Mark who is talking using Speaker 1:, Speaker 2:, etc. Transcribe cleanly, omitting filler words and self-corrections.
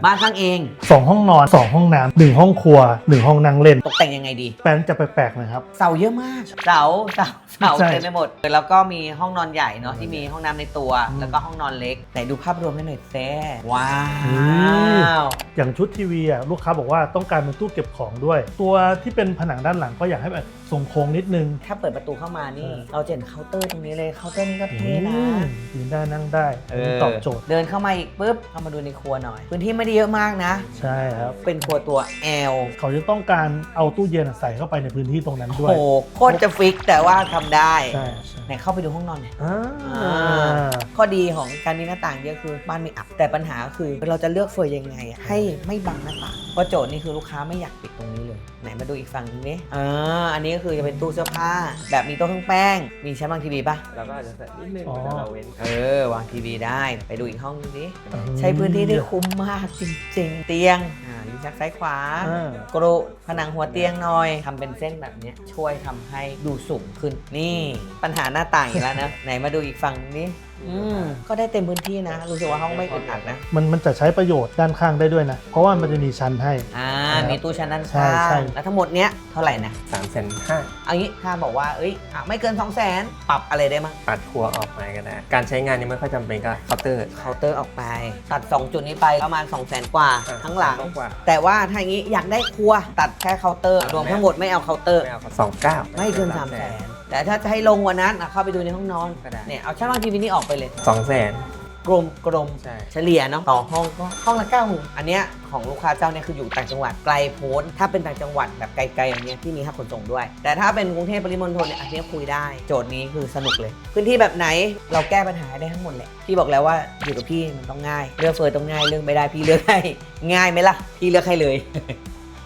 Speaker 1: บ้านสร้างเอง
Speaker 2: 2 ห้องนอน 2 ห้องน้ำ1 ห้องครัว 1 ห้องนั่งเล่น
Speaker 1: ตกแต่งยังไงดี
Speaker 2: แปลนจะแปลกๆนะครับ
Speaker 1: เสาเยอะมากเสา
Speaker 2: ใช่
Speaker 1: เต็มไปหมดแล้วก็มีห้องนอนใหญ่เนาะที่มีห้องน้ำในตัวแล้วก็ห้องนอนเล็กไหนดูภาพรวมให้หน่อยแซ่ว้าว
Speaker 2: อย่างชุดทีวีอ่ะลูกค้าบอกว่าต้องการเป็นตู้เก็บของด้วย ตัวที่เป็นผนังด้านหลังก็อยากให้แบบทรงโค้งนิดนึง
Speaker 1: ถ้าเปิดประตูเข้ามานี่เราจะเห็นเคาน์เตอร์ตรงนี้เลยเคาน์เตอร์นี่ก็เท่นะ
Speaker 2: ยืนได้นั่งได้ตอบโจทย์
Speaker 1: เดินเข้ามาอีกปุ๊บเข้ามาดูในครัวหน่อยพื้นที่ไม่ได้เยอะมากนะ
Speaker 2: ใช่ครับ
Speaker 1: เป็นครัวตัว L
Speaker 2: เขาจะต้องการเอาตู้เย็นใส่เข้าไปในพื้นที่ตรงนั้นด้ว
Speaker 1: โอ้
Speaker 2: ย
Speaker 1: โหโคตรจะฟิกแต่ว่าทำได้
Speaker 2: ใช่ใช่
Speaker 1: ไหนเข้าไปดูห้องนอนหน่อย
Speaker 2: อ่า
Speaker 1: ข้อดีของการมีหน้าต่างเยอะคือบ้านไม่อับแต่ปัญหาคือเราจะเลือกเฟอร์ยังไงอะให้ไม่บังหน้าต่างเพราะโจทย์นี่คือลูกค้าไม่อยากปิดตรงนี้เลยไหนมาดูอีกฝั่งนึงนี่อันนี้ก็คือจะเป็นตู้เสื้อผ้า แบบมีโต๊ะเครื่องแป้งมีชั้นวางทีวีป่ะ
Speaker 3: แล้วก็อาจจะใส่นิดนึง
Speaker 2: อ๋อ
Speaker 3: แต่เราเว้น
Speaker 1: วางทีวีได้ไปดูอีกห้องนึงดิใช้พื้นที่ได้คุ้มมากจริงๆ เตียงลิ้นชักซ้ายขวา กรุผนังหัวเตียงหน่อยทำเป็นเส้นแบบเนี้ยช่วยทำให้ดูสูงขึ้นนี่ปัญหาหน้าต่างอีกแล้วนะ ไหนมาดูอีกฝั่งนี้ก็ได้เต็มพื้นที่นะ รู้สึกว่าห้องไม่อึดอัดนะ
Speaker 2: มันจะใช้ประโยชน์ด้านข้างได้ด้วยนะ เพราะว่ามันจะมีชั้นให้
Speaker 1: มีตู้ชั้นด้าน
Speaker 2: ใช่
Speaker 1: ข้า
Speaker 2: ใช่
Speaker 1: งแล้วทั้งหมดเนี้ยเท่าไหร่นะ
Speaker 3: 350,000
Speaker 1: เอางี้ถ้าบอกว่าไม่เกิน 200,000 ปรับอะไรได้มั้ง
Speaker 3: ปัดครัวออกมาก็ได้ การใช้งานนี้ไม่ค่อยจำเป็นก็เคาน์เตอร์
Speaker 1: เคาน์เตอร์ออกไป ตัด 2 จุดนี้ไปประมาณ 200,000 กว่าทั้งหลัง
Speaker 3: กว่า
Speaker 1: แต่ว่าถ้าอย่างนี้อยากได้ครัวตัดแค่เคาน์เตอร์รวมทั้งหมดไม่เอาเคาน์เตอร์
Speaker 3: ไม่เอา29
Speaker 1: ไม่เกิน 300,000 แต่ถ้าจะให้ลงกว่านั้นเข้าไปดูในห้องนอน
Speaker 3: ก็ได้
Speaker 1: เนี่ยเอาชั้นวางทีวีนี่ออกไปเลย
Speaker 3: 200,000
Speaker 1: กลม
Speaker 3: ใช่
Speaker 1: เฉลี่ยเนาะต่อห้องก็ห้องละ90,000อันเนี้ยของลูกค้าเจ้าเนี่ยคืออยู่ต่างจังหวัดไกลโพ้นถ้าเป็นต่างจังหวัดแบบไกลๆอย่างเงี้ยที่มีค่าขนส่งด้วย แต่ถ้าเป็นกรุงเทพปริมณฑลเนี่ยอันเนี้ยคุยได้โจทย์นี้คือสนุกเลย พื้นที่แบบไหนเราแก้ปัญหาได้ทั้งหมดแหละพี่บอกแล้วว่าอยู่กับพี่มันต้องง่ายเลือกเฟิร์นต้องง่ายเลือกไม่ได้พี่เลือกให้ง่ายไหมล่ะพี่เลือกให้เลย